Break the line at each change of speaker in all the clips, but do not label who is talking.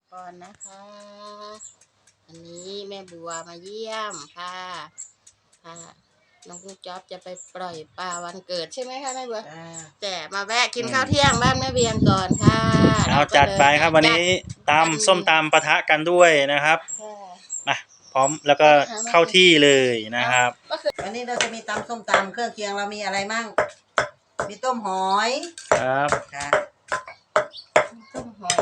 ก่อนนะคะอันนี้แม่บัวมาเยี่ยมค่ะน้องจ๊อบจะไปปล่อยปลาวันเกิดใช่ไหมคะแม่บัวแต่มาแวะกินข้าวเที่ยงบ้านแม่เบียงก่อนค่ะ
เอาจัดไปครับวันนี้ตำส้มตำปะทะกันด้วยนะครับมาพร้อมแล้วก็เข้าที่เลยนะครับ
วันนี้เราจะมีตำส้มตำเครื่องเคียงเรามีอะไรมั่งมีต้มหอย
ครับ
ค่ะ
ต้มหอย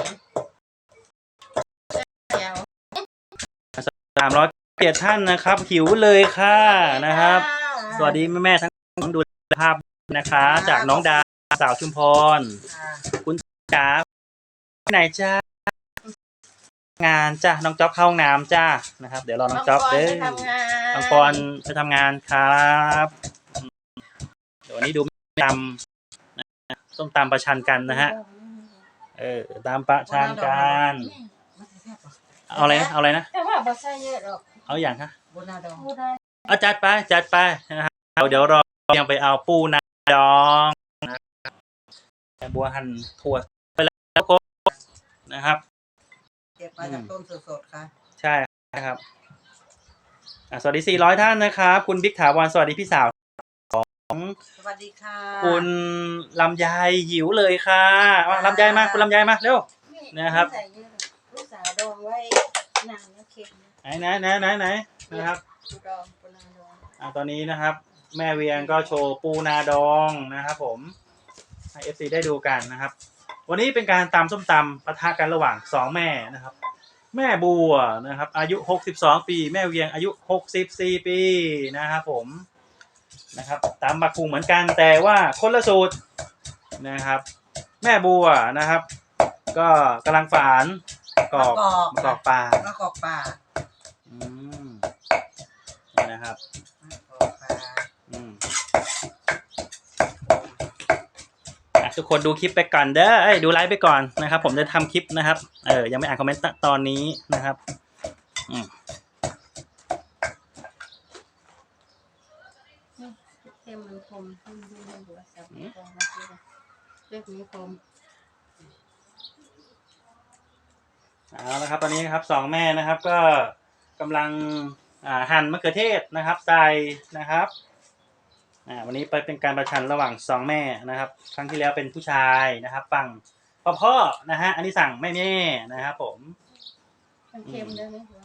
307ท่านนะครับหิวเลยค่ะนะครับสวัสดีแม่ทั้งดูภาพนะคะจากน้องดาสาวชุมพรคุณจ๋าไหนจ้างานจ้าน้องจ๊อบเข้าห้องน้ำจ้านะครับเดี๋ยวรอน้องจ๊อบเด้อน้องปอนไปทำงานครับเดี๋ยววันนี้ดูตำส้มตำประชันกันนะฮะตำประชันกันเอาอะไรนะ
แต่ว่าบะไส้เยอะหรอก
เอาอย่างฮะ
บุนาดอง
เอาจัดไปนะครับเดี๋ยวรอยังไปเอาปูนาดองแต่บัวหั่นถั่วไปแล้วนะครับ
เก็บมาจากต้นสดๆค่ะ
ใช่ครับสวัสดี400ท่านนะครับคุณบิ๊กถาวรสวัสดีพี่สาวของ
สวัสดีค่ะ
คุณลำไยหิวเลยค่ะลำไยมาคุณลำไยมาเร็วนะครับ
ลูกสาวดองไว้นานแล้วเค็ม
ไหนนะครับตอนนี้นะครับแม่เวียงก็โชว์ปูนาดองนะครับผมให้ FC ได้ดูกันนะครับวันนี้เป็นการตำส้มตำปะทะกันระหว่าง2แม่นะครับแม่บัวนะครับอายุ62ปีแม่เวียงอายุ64ปีนะครับผมนะครับตำบักหุ่งเหมือนกันแต่ว่าคนละสูตรนะครับแม่บัวนะครับก็กำลังฝานกอกปลานี่นะครับทุกคนดูคลิปไปก่อนเด้อดูไลฟ์ไปก่อนนะครับผมจะทำคลิปนะครับยังไม่อ่านคอมเมนต์ตอนนี้นะครับ
เต็มมันคมหัวสับเลือกนี้คม
เอาละครับตอนนี้ครับ2แม่นะครับก็กำลังหั่นมะเขือเทศนะครับใส่นะครับวันนี้ไปเป็นการประชันระหว่าง2แม่นะครับครั้งที่แล้วเป็นผู้ชายนะครับฝั่งพ่อนะฮะอันนี้สั่งแม่นะครับผม
มันเค็มด้วยไหมคะ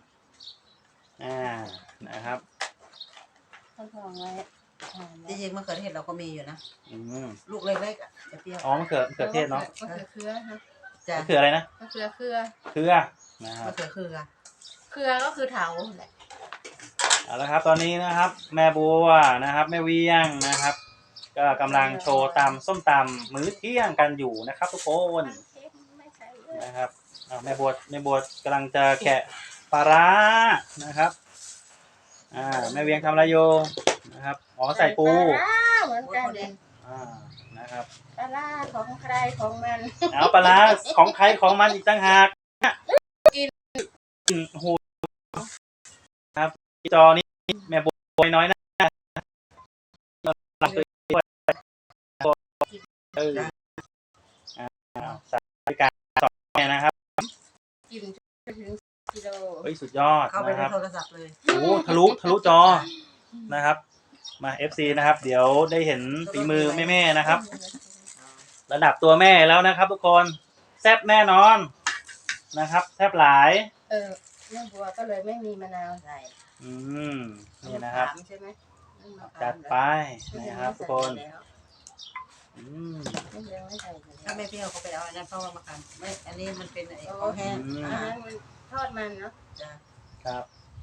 นะครับ
ท่านทองไว้
จริงๆมะเขือเทศเราก็มีอยู่นะลูกเล็กๆจะเปรี้ยว
มะเขือเทศเนาะ
มะเขือเครือฮะ
มะเขืออะไรนะ
มะเขือเครือ
นะครับ
มะเขือเค
รือก็คือเถาแหละ
เอาละครับตอนนี้นะครับแม่บัวนะครับแม่เวียงนะครับก็กำลังโชว์ตำส้มตำมื้อเที่ยงกันอยู่นะครับทุกคนนะครับแม่บัวกำลังจะแกะปลาร้านะครับแม่เวียงทำอะไรอยู่นะครับใส่ปู
เหมือนกันเลย
นะครับ
ปลาร้าของใครของมัน
ปลาร้าของใครของมันอีกต่างหากกินโหครับจอนี้แม่บัวน้อยนะสายการ2แม่นะครับ
กินถึงกิโล
สุดยอด
เข้าไปในโทรศัพท์เลย
โอ้ทะลุจอนะครับมา FC นะครับเดี๋ยวได้เห็นฝีมือแม่นะครับระดับตัวแม่แล้วนะครับทุกคนแซ่บแน่นอนนะครับแซ่บหลาย
แม่บัวก็เลยไม่มีมะนาวใส่
นี่นะครับจัดไปนะครับทุกคน
ถ้าไม่เปรี้ยวเขาไปเอาอันนั้นเพราะว่ามากันไม่อันนี้มันเป็นไอ้ข้าวแห้ง
ทอดมันเนาะ
ครับ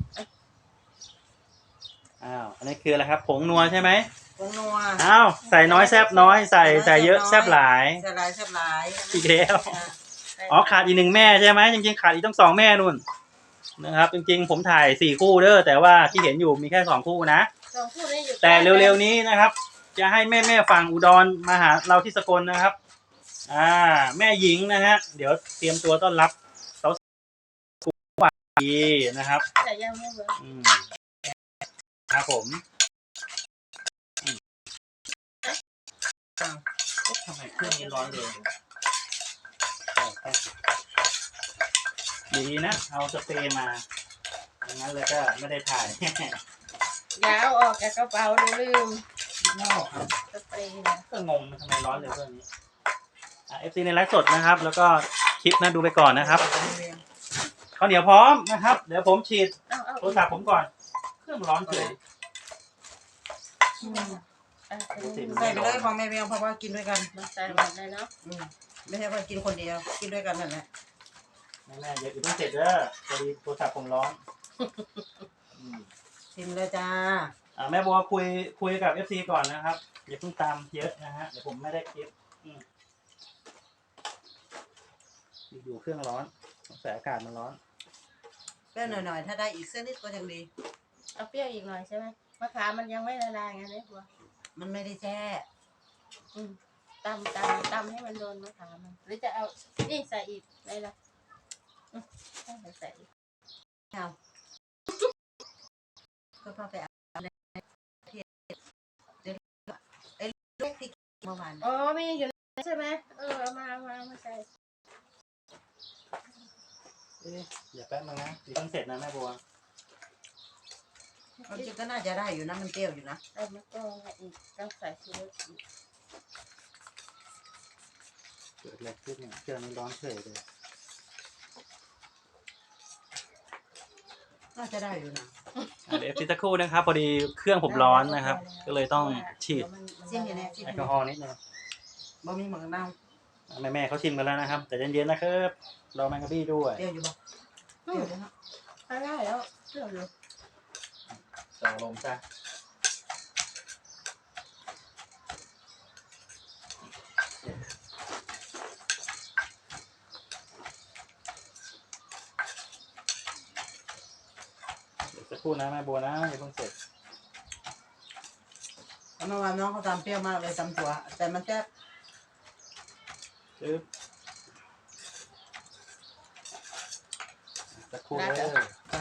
อันนี้คืออะไรครับผงนัวใช่ไหม
ผงนัว
ใส่น้อยแซ่บน้อยใส่เยอะแซ่บหลาย
แซ่บหลาย
อีกแล้วขาดอีก1แม่ใช่ไหมจริงๆขาดอีกต้อง2แม่นู่นนะครับจริงๆผมถ่าย4คู่เด้อแต่ว่าที่เห็นอยู่มีแค่2คู่นะแต่เร็วๆนี้นะครับจะให้แม่ฝั่งอุดรมาหาเราที่สกลนะครับแม่หญิงนะฮะเดี๋ยวเตรียมตัวต้อนรับสาวดีนะครับ
แต่ยังไม่เวิร์ก
ครับผมทำไมเครื่องนี้ร้อนเลยดีนะเอาสเปรย์มาอย่างนั้นเลยก็ไม่ได้ถ่าย
อย่าเอาออกจากกระเป๋าเดี๋ยวลืม
นอกครับ
สเปรย์นะ
ก็งงนะทำไมร้อนเร็วเรื่องนี้FC ในไลฟ์สดนะครับ แล้วก็คลิปนะดูไปก่อนนะครับข้าวเหนียวพร้อมนะครับ เดี๋ยวผมฉีด
เอา
โทรศัพท์ผมก่อน เครื่องร้อนเฉย
ใส่ไปเลยพอแม่เบียงเพราะว่ากินด้วยกัน
มาใส่หมดเลยเนาะ
ไม่ใช่ว่ากินคนเดียวกินด้วยกันนั่นแหละ
แม่ๆเดี๋ยวต้องเสร็จเด้อพอดีโทรศัพท์ผมร้อน
ชิมเลยจ้า
แม่บัวคุยกับ FC ก่อนนะครับอย่าเพิ่งตามเยอะนะฮะเดี๋ยวผมไม่ได้คลิปอยู่เครื่องร้อนสงสัยอากาศมันร้อน
เปรี้ยวหน่อยๆถ้าได้อีกเส้นนิดก็ยังดี
เอาเปรี้ยวอีกหน่อยใช่ไหมมะขามมันยังไม่ละลายไงเนี่ยบัว
มันไม่ได้แช่
ตำให้มันโดนมะขามมันหรือจะเอานี่ใส่อีกได้ละใส่อีก
เอาก็พอไปเอาอะไรที่เดี๋ยวไอ้เล็กที่เมื่อวาน
อ๋อไม่ยังอยู่ใช่ไหมเอามาใส่
อย่าแป๊บนึงนะเดี๋ยวต้องเสร็จนะแม่บัว
มันจริงก็น่าจะได้อยู่นะมันเปรี้ยวอยู่นะ
ใส่มะกอกอีกต้องใส่ชีสอีก
เกิดอะไรขึ้นเนี่ยเครื่องนี้ร้อนเฉยเลย
น่าจะได้อยู่นะ
เดี๋ยวสักครู่นะครับพอดีเครื่องผมร้อนนะครับ ก็เลยต้องฉีด
ชิมอยู่เนี่ยชิม
แอ
อ
ลก
ยู่
อฮอล์นิดนึง
บ่มีหมึกน้
แม่เขาชิมกันแล้วนะครับ แต่เย็นๆนะครับรอแมงกะบี้ด้วย
ำเปรี้ยวอยู่บ่เปรี้ยวเลยเนาะ
ได้แล้วเชื่อเลย
ต่อลมซะเดี๋ยวสักครู่นะแม่บัวนะอย่าเพิ่งเสร็จ
เมื่อวานน้องเขาทำเปรี้ยวมากเลยตำถั่วแต่มันแซ่บ
ปึ๊บสักครู่เลย
จ้า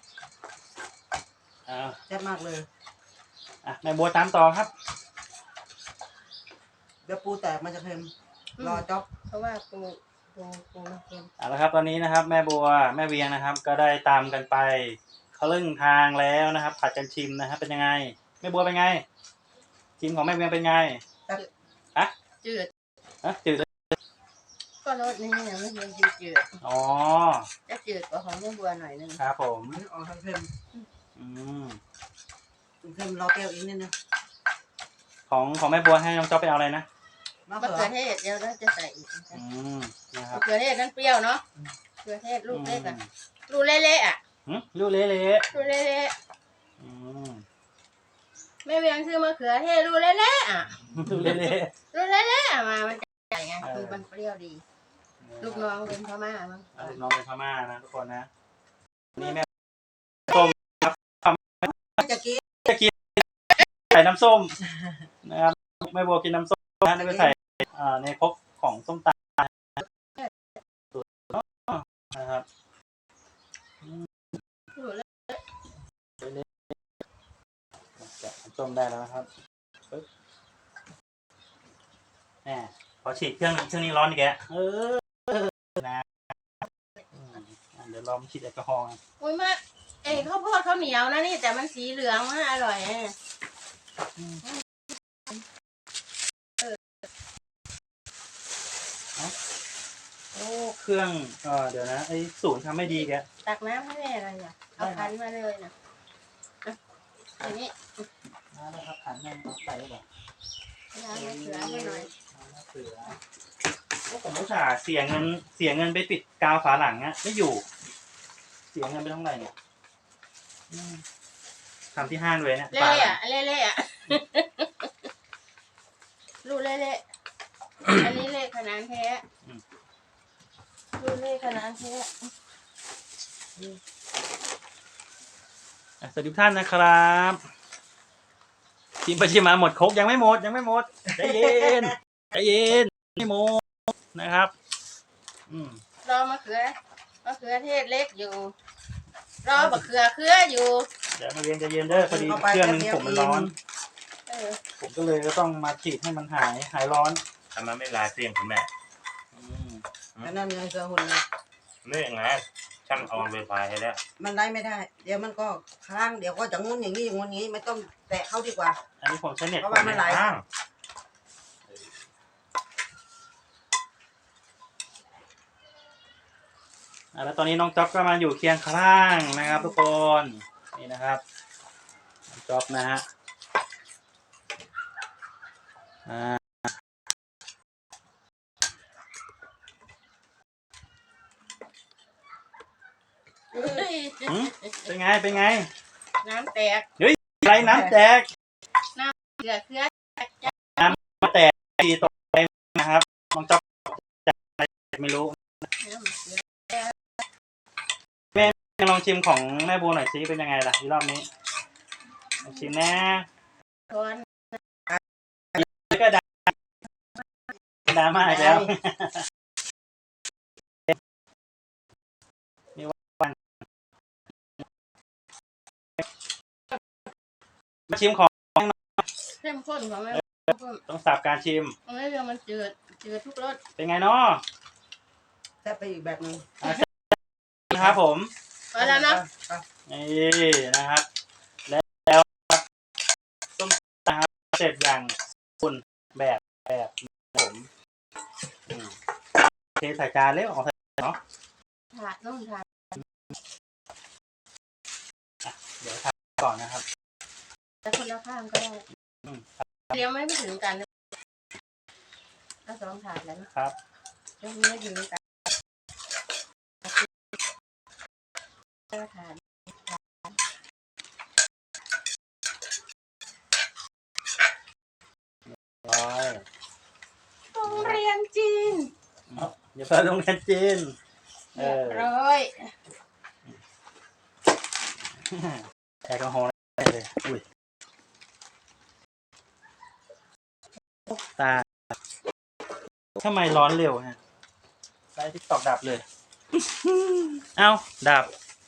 อ่า
แซ่บมากเลย
แม่บัวตามต่อครับ
เดี๋ยวปูแตกมันจะเค็มรอจ๊อบ
เพราะว่าปูมันเค็ม
เอาละครับตอนนี้นะครับ แม่บัวแม่เวียงนะครับ ก็ได้ตามกันไปครึ่งทางแล้วนะครับ ผัดกันชิมนะครับเป็นยังไงแม่บัวเป็นไงชิมของแม่เวียงเป็นไง
จืด
จืดเลย
ก็รสนี่ยังไม่ยังจืด
อ๋อ
จะจืดกว่าของแม่บัวหน่อยนึง
ครับผม
มันออกทางเค็ม
อืม
เค็มรอเปรี้ยวอีกนิดนึง
ของแม่บัวให้น้องจ๊อบไปเอาอะไรนะ
มะ
มะ
เขื
เขื
อ
อเทศเดี๋ยวเราจะใส่อีก
อืมนะครั
มะ
บ
เขือเทศนั้นเปรี้ยวเนาะมะเขือเทศลูกเล็กอ่ะลูกเละๆอ่ะ
ลูกเละ
ลูกเละ
ๆอืม
ๆแม่เวียงซื้อมะเขือเทศลูกเละๆอ่ะ
ลูกเละ
ลูกเละๆอ่ะมามันจะใหญ่ไงคือมันเปรี้ยวดี
ๆ
ลูกน้องเป็นพม่ามั้ง
ลูกน้องเป็นพม่านะทุกคนนะนี่แม่
จะกิน
ใส่น้ำส้มนะครับแม่บัวกินน้ำส้มนะนี่ไปใส่ในครกของส้มตำนะครับ
ลูกเละ
แกะน้ำส้มได้แล้วนะครับปึ๊บแหมพอฉีดเครื่องนี้ร้อนอีกแกนะเดี๋ยวลองฉีดแอลกอฮอล์
อุ้ยมาข้าวโพดข้าวเหนียวนะนี่แต่มันสีเหลืองมากอร่อย
โอ้เครื่องเดี๋ยวนะไอ้ศูนย์ทำไม่ดีแก
ตักน้ำให้แม่อะไรอ่ะเอาคั้นมาเลยนะอย่างนี้
นะครับขันนั่งใส่ก่อน
น้ำมะเขือให้หน่อย
เสือโอ้ผมอุตส่าห์เสียเงินไปปิดกาวฝาหลังอะไม่อยู่ เสียเงินไปเท่าไหร่เนี่ยทำที่ห้างเลยเนี่ย
เละอ่ะเละอ่ะลูกเละอันนี้เละขนาดแท้ลูกเละขนาดแท้
สวัสดีทุกท่านนะครับชิมไปชิมมาหมดครกยังไม่หมดใจเย็นไม่หมดนะครับ
รอมะเขือเทศเล็กอยู่รอมะเขืออยู่
เดี๋ยวมาเรียนใจเย็นเด้อพอดีเครื่องนึงผมมันร้อนผมก็เลยก็ต้องมาฉีดให้มันหายร้อน
ทำไมไม่ลายเสียงคุณแม่
อันนั้นไงเสือหุ่นนะ
เรื่องไง
ช่างเอาไวไฟให้แล้ว
มันได้ไม่ได้ เดี๋ยวมันก็ค้างเดี๋ยวก็จะงุ้นอย่างนี้อย่างงุ้นอย่างนี้ไม่ต้องแตะเข้าดีกว่า
อันนี้ผมใช้เน็ต
เพราะว่ามันไหล
ข้างแล้วตอนนี้น้องจ๊อบก็มาอยู่เคียงข้างนะครับทุกคนนี่นะครับน้องจ๊อบนะฮะเป็นไงเป็นไง
น้ำแตก
อะไรน้ำแตก
เกลือเกลือ
น้ำแตกทีตกไปนะครับน้องจ๊อบจะอะไรไม่รู้แม่ลองชิมของแม่บัวหน่อยซิเป็นยังไงล่ะที่รอบนี้ลองชิมนะแล้วก็ดราม่าอีกแล้วมีวันมาชิมของ
เข้มข้นของแม่
ต้องสับการชิม
ไม่เรื่องมันจืดทุกรส
เป็นไงเนาะ
แซ่บไปอีกแบบนึง
นะครับผม
พอแล้วเนาะ
นี่นะครับแล้วต้มตำเสร็จอย่างคุณแบบผมเทใส่จานเลยออกใส่เนาะ
ถาดนุ่มถาด
เดี๋ยวทำก่อนนะครับ
แต่คนละข้างก็ได้เลี้ยงไม่ถึงกันสองถาดแล้วนะครับยังไม่ถึงกันถาดโรงเรียนจีน
เดี๋ยวไปโรงเรียนจีน
ร้อย
แอลกอฮอล์เลยอุ้ยตาทำไมร้อนเร็วฮะไฟติ๊กตอกดับเลยเอ้าดับ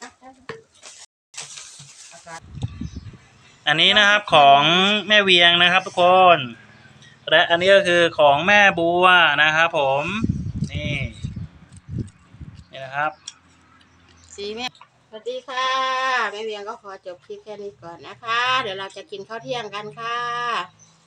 อันนี้นะครับของแม่เวียงนะครับทุกคนและอันนี้ก็คือของแม่บัวนะครับผมนี่นะครับ
สีแม่สวัสดีค่ะแม่เวียงก็ขอจบคลิปแค่นี้ก่อนนะคะเดี๋ยวเราจะกินข้าวเที่ยงกันค่ะ